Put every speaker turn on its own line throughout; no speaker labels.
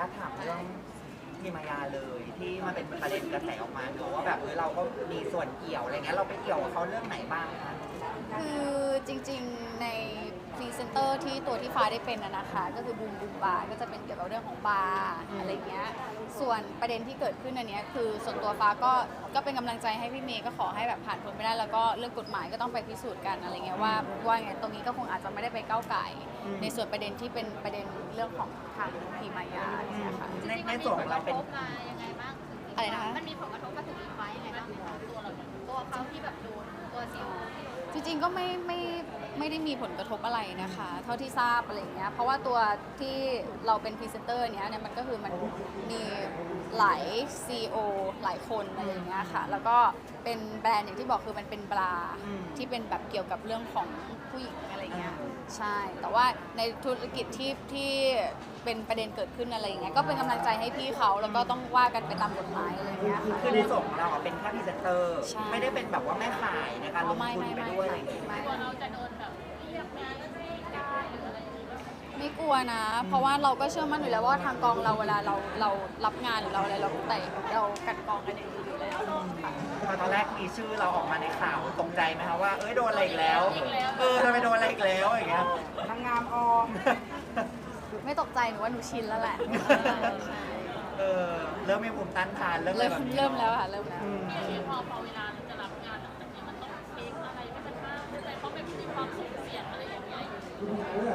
าตถามเรื่องทีมายาเลยที่มันเป็นประเด็นกระแสออกมาเนอะว่าแบบเราก็มีส่วนเกี่ยวอะไรเงี้ยเราไปเกี่ยวกับเขาเรื่องไหนบ้างคะ
คือจริงๆในพรีเซนเตอร์ที่ตัวที่ฟ้าได้เป็นนะคะก็คือบูมบูมบาร์ก็จะเป็นเกี่ยวกับเรื่องของบาร์อะไรเงี้ยส่วนประเด็นที่เกิดขึ้นอันนี้คือส่วนตัวฟ้าก็เป็นกำลังใจให้พี่เมย์ก็ขอให้แบบผ่านพ้นไปได้แล้วก็เรื่องกฎหมายก็ต้องไปพิสูจน์กันอะไรเงี้ยว่าไงตรงนี้ก็คงอาจจะไม่ได้ไปก้าวไก่ในส่วนประเด็นที่เป็นประเด็นเรื่องของทางพีมายาเนี่ยค่ะ
ในส่วนของเราเป็น
ยังไงบ้าง
อะไรนะคะ
มันมีผลกระทบมาถึงอีไฟยังไงบ้างตัวเราตัวเขาที่แบบโดนตัวซิล
จริงๆก็ไม่ได้มีผลกระทบอะไรนะคะเท่าที่ทราบอะไรอย่างเงี้ยเพราะว่าตัวที่เราเป็นพรีเซนเตอร์เนี้ยมันก็คือมันมีหลาย CEO หลายคนอะไรอย่างเงี้ยค่ะแล้วก็เป็นแบรนด์อย่างที่บอกคือมันเป็นบราที่เป็นแบบเกี่ยวกับเรื่องของผู้หญิงอะไรเงี้ยใช่แต่ว่าในธุรกิจที่เป็นประเด็นเกิดขึ้นอะไรอย่างเงี้ยก็เป็นกำลังใจให้พี่เขาแล้วก็ต้องว่ากันไปตามกฎหมายอะไรอย่างเงี้ยค่ะ
คือในส่วนของเราอะเป็นแค่พรีเซนเตอร์
ใช่
ไม่ได้เป็นแบบว่าแม่ขายในการลงทุนไปด้วยอะไรอย่างเงี้ย
ตัวเราจะโดนแบบเรียกงานก็ไม่ได้หรืออะไรอย่างเงี้ย
ไม่กลัวนะ เพราะว่าเราก็เชื่อมั่นอยู่แล้วว่าทางกองเราเวลาเรารับงานหรือเราอะไรเราแต่เรากันกองกันอย่างดีอยู่แล้วค่ะ
พอตอนแรกมีชื่อเราออกมาในข่าวตกใจไหมคะว่าเอ้ยโดนอะไรอีกแล้วทำไมโดนอะไรอีกแล้วอย่างเงี้ยทำงานออม
ไม่ตกใจหนูว่าหนูชินแล้วแหละ
เริ่มมีภูมิต้านทานเริ่ม
เริ่ม
แบบนี้
เริ่มแล้วค่ะเริ่มแล้ว
ที่พอเวลาเราจะรับงานหลังจากนี้มันต้องเทคอะไรให้มันมากขึ้นเลยเพราะมันมีความสุ่มเสี่ยงอะไรอย่างเงี้ยอยู่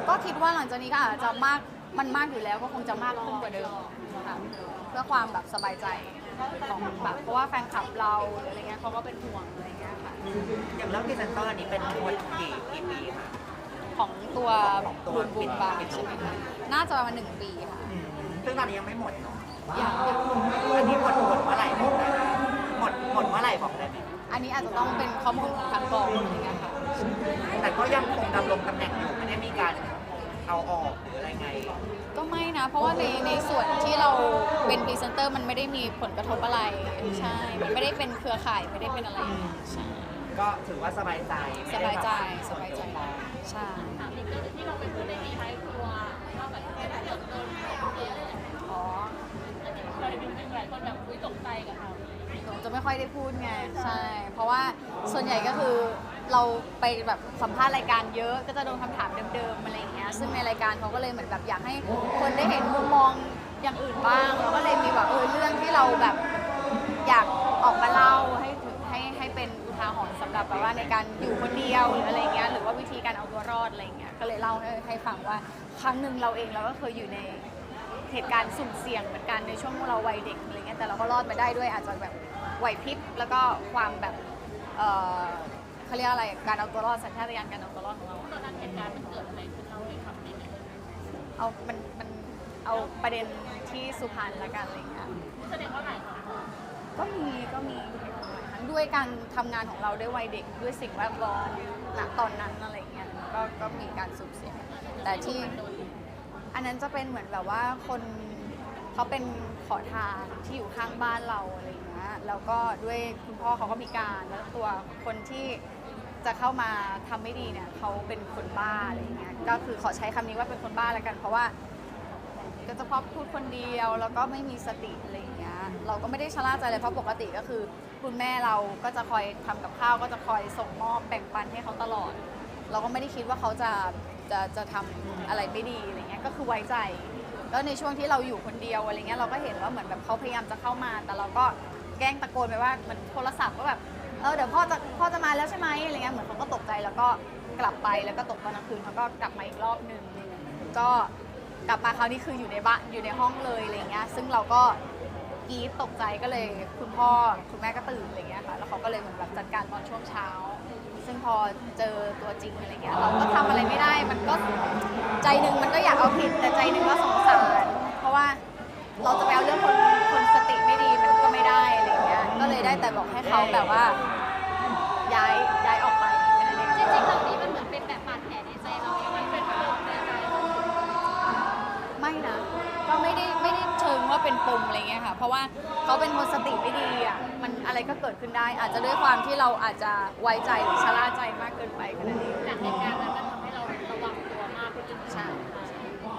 ก็คิดว่าหลังจากนี้ก็อาจจะมันมากอยู่แล้วก็คงจะมากขึ้นกว่าเดิมค่ะเพื่อความแบบสบายใจของแบบเพราะว่าแฟนคลับเราหรืออะไรเงี้ยเขาก็เป็นห่วงอะไรเงี้ยค่ะ
อย่างเรื่องพรีเซนเตอร์นี้เป็นทั้งหมดกี่ปีคะ
ของตัว
ของตัว
บุญบุญบา
ปิด
ใช่ไหมคะน่าจะประมาณ1 ปีค่ะ
ซึ่งตอนนี้ยังไม่หมดเนาะ
อย่าง
อันนี้หมดเมื่อไหร่บอกได้ไหมหมดเมื่อไหร่บอกได้ไหม
อันนี้อาจจะต้องเป็นข้อมูลของทางกองอะไรเงี้ยค่ะ
แต่ก็ยังคงดำรงตำแหน่งอยู่ไม่ได้มีการเอาออกหรืออะไรไง
ก็ไม่นะ เพราะว่าในส่วนที่เราเป็นพรีเซนเตอร์มันไม่ได้มีผลกระทบอะไรใช่ มันไม่ได้เป็นเครือข่ายไม่ได้เป็นอะไรใช่
ก็ถือว่าสบายใจ
สบายใจ
ไม่ได้แบบ
สบายใจใช่
ถามอีกเรื่องหนึ่งที่เราไปพูดในนี้ท้ายครัวว่าแบบถ้าเกิดโดนเทอะไรอย่างเงี้ย
อ๋อ
เคยมีหลายคนแบบอุ้ยตกใจกับเรา
หนูจะไม่ค่อยได้พูดไงใช่ เพราะว่าส่วนใหญ่ก็คือเราไปแบบสัมภาษณ์รายการเยอะก็จะโดนคำถามเดิมๆอะไรอย่างเงี้ยซึ่งในรายการเขาก็เลยเหมือนแบบอยากให้คนได้เห็นมุมมองอย่างอื่นบ้างเราก็เลยมีแบบเรื่องที่เราแบบอยากออกมาเล่าให้เป็นอุทาหรณ์สำหรับแบบว่าในการอยู่คนเดียวหรืออะไรเงี้ยหรือว่าวิธีการเอาตัวรอดอะไรเงี้ยก็เลยเล่าให้ฟังว่าครั้งหนึ่งเราเองเราก็เคยอยู่ในเหตุการณ์สุ่มเสี่ยงเหมือนกันในช่วงเราวัยเด็กอะไรเงี้ยแต่เราก็รอดมาได้ด้วยอาจจะแบบไหวพริบแล้วก็ความแบบเขาเรียกอะไรการเอาตัวรอดสัญชาตญาณการเอาตัวรอดของเรา
ตอนนั้นเหตุการณ์มันเกิดอะไรขึ้นเราเลยครับนิดนึง
มันเอาประเด็นที่สุพรรณละกันอะไรเงี้ย
แสดงว่าหลายคน
ก็มีทั้งด้วยการทำงานของเราด้วยวัยเด็กด้วยสิ่งแวดล้อมณตอนนั้นอะไรเงี้ยก็มีการสุ่มเสี่ยงแต่ที่อันนั้นจะเป็นเหมือนแบบว่าคนเขาเป็นขอทานที่อยู่ข้างบ้านเราอะไรเงี้ยแล้วก็ด้วยคุณพ่อเขาก็มีการแล้วตัวคนที่จะเข้ามาทำไม่ดีเนี่ยเขาเป็นคนบ้าอะไรเงี้ยก็คือขอใช้คำนี้ว่าเป็นคนบ้าแล้วกันเพราะว่าก็จะพอพูดคนเดียวแล้วก็ไม่มีสติอะไรอย่างเงี้ยเราก็ไม่ได้ชะล่าใจเลยเพราะปกติก็คือคุณแม่เราก็จะคอยทำกับข้าวก็จะคอยส่งมอบแบ่งปันให้เขาตลอด เราก็ไม่ได้คิดว่าเขาจะทำอะไรไม่ดีอะไรเงี้ยก็คือไว้ใจแล้วในช่วงที่เราอยู่คนเดียวอะไรเงี้ยเราก็เห็นว่าเหมือนแบบเขาพยายามจะเข้ามาแต่เราก็แกล้งตะโกนไปว่าเหมือนโทรศัพท์ก็แบบเดี๋ยวพ่อจะมาแล้วใช่ไหมอะไรเงี้ยเหมือนเขาก็ตกใจแล้วก็กลับไปแล้วก็ตกตอนกลางคืนเขาก็กลับมาอีกรอบนึงก็กลับมาคราวนี้คืออยู่ในบ้านอยู่ในห้องเลยอะไรเงี้ยซึ่งเราก็กรี๊ดตกใจก็เลยคุณพ่อคุณแม่ก็ตื่นอะไรเงี้ยค่ะแล้วเขาก็เลยเหมือนแบบจัดการตอนช่วงเช้าซึ่งพอเจอตัวจริงอะไรเงี้ยเราก็ทำอะไรไม่ได้มันก็ใจหนึ่งมันก็อยากเอาผิดแต่ใจหนึ่งก็สงสารเพราะว่าเราจะไปเอาเรื่องคนสติไม่ดีมันก็ไม่ได้อะไรเงี้ยก็เลยได้แต่บอกให้เขาแบบว่าย้ายออกไปแค่นั้นเอง
จริงๆเหล่านี้มันเหมือนเป็นแบบบาดแผลในใจเรายังไม่เป็นปมในใจเรา
ไม่นะก็ไม่ได้เชิงว่าเป็นปมอะไรเงี้ยค่ะเพราะว่าเขาเป็นคนสติไม่ดีอ่ะมันอะไรก็เกิดขึ้นได้ อาจจะด้วยความที่เราอาจจะไว้ใจหรือชะล่าใจมากเกินไปก็นั่นเอง
จากเหตุการณ์นั้นมันทำให้เราระวังตัวมากขึ้น
ใช่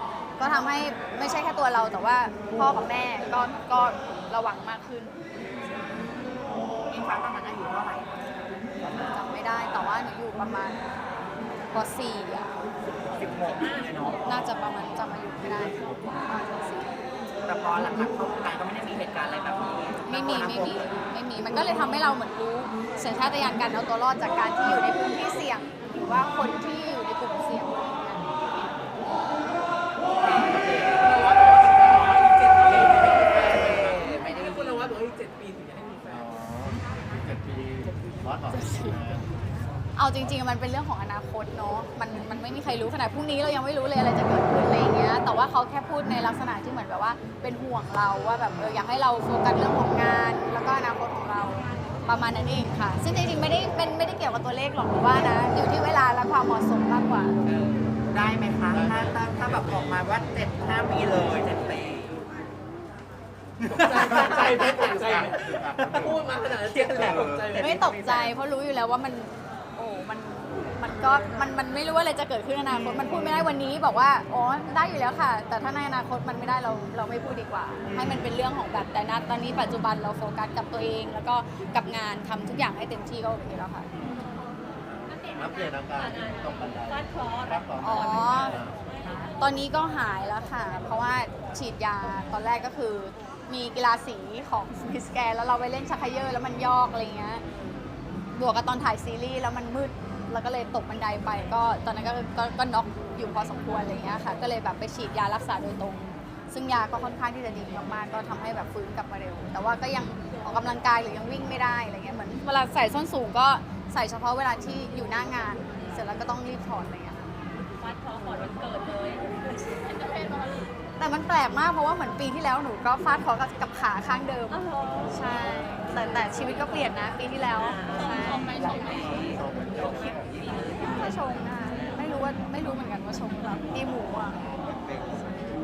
ก็ทำให้ไม่ใช่แค่ตัวเราแต่ว่าพ่อกับแม่ก็ระวังมากขึ้น
อิงฟ้าตอนนั้นอายุเท่าไหร่
จำไม่ได้แต่ว่าหนูอยู่ประมาณป .4 อ่ะ
16เนาะ
น่าจะประมาณจำอายุไม่ได้ประมาณป
แต่พอหลังๆเข้าวงการก็ไม่ได้มีเหตุการณ์อะไรแบบนี้
.4 ไม่มีมันก็เลยทำให้เราเหมือนรู้สัญชาตญาณการเอาตัวรอดจากการที่อยู่ในพื้นที่เสี่ยงหรือว่าคนที่อยู่ในกลุ่มเสี่ยงอะไรอย่างเงี้ย
ไม่ได้
คุณละว่าบอกว่าอีก7 ปีถึงจะให้มีแฟน
7 ปีร้อนหรอ
เอาจริงๆ มันเป็นเรื่องของอนาคตเนาะ มันไม่มีใครรู้ขนาดพรุ่งนี้เรายังไม่รู้เลยอะไรจะเกิดขึ้นอะไรอย่างเงี้ย แต่ว่าเขาแค่พูดในลักษณะที่เหมือนแบบว่าเป็นห่วงเราว่าแบบอยากให้เราโฟกัสเรื่องของงาน แล้วก็อนาคตของเราประมาณนั้นเองค่ะ ซึ่งจริงๆ ไม่ได้เกี่ยวกับตัวเลขหรอกหรือว่านะ อยู่ที่เวลาและความเหมาะสมมากกว่า
ได้ไหมคะ ถ้าแบบออกมาว่า5 ปีเลย7 ปี
ตกใจไหมตกใจไหมพูดมาขนาดนั้นเจ็บแหลกตกใจไหม
ไม่ตกใจเพราะรู้อยู่แล้วว่ามันไม่รู้ว่าอะไรจะเกิดขึ้นในอนาคตมันพูดไม่ได้วันนี้บอกว่าอ๋อได้อยู่แล้วค่ะ แต่ถ้าในอนาคตมันไม่ได้เราไม่พูดดีกว่า ให้มันเป็นเรื่องของแบบแต่ณตอนนี้ปัจจุบันเราโฟกัสกับตัวเอง แล้วก็กับงานทำทุกอย่างให้เต็มที่ก็โอเคแล้วค่ะ
อัปเดตอาการตกบันไดฟาดเคราะห์
อ๋อ ตอนนี้ก็หายแล้วค่ะ เพราะว่าฉีดยาตอนแรกก็คือมีกีฬาสีของมิสแกนแล้วเราไปเล่นชักเขย่อแล้วมันยอกอะไรเงี้ยบวกกับตอนถ่ายซีรีส์แล้วมันมืดแล้วก็เลยตกบันไดไปก็ตอนนั้นก็น็อกอยู่พอสมควรอะไรเงี้ยค่ะก็เลยแบบไปฉีดยารักษาโดยตรง ซึ่งยาก็ค่อนข้างที่จะดีมากๆก็ทำให้แบบฟื้นกลับมาเร็ว แต่ว่าก็ยังออกกำลังกายหรือยังวิ่งไม่ได้อะไรเงี้ยเหมือนเวลาใส่ส้นสูงก็ใส่เฉพาะเวลาที่อยู่หน้างาน เสร็จแล้วก็ต้องรีบถอดอะไรเงี้ย
ฟาดเคราะห์ก่อนวันเกิดเลยเอนเตอร์เทนมาเลย
แต่มันแปลกมากเพราะว่าเหมือนปีที่แล้วหนูก็ฟาดเคราะห์กับขาข้างเดิม ใช่ แต่ชีวิตก็เปลี่ยนนะปีที่แล้วใช่
ชมไหม
ไม่ชงนะคะไม่รู้เหมือนกันว่าชงหรือเปล่าตีหมูอ่ะ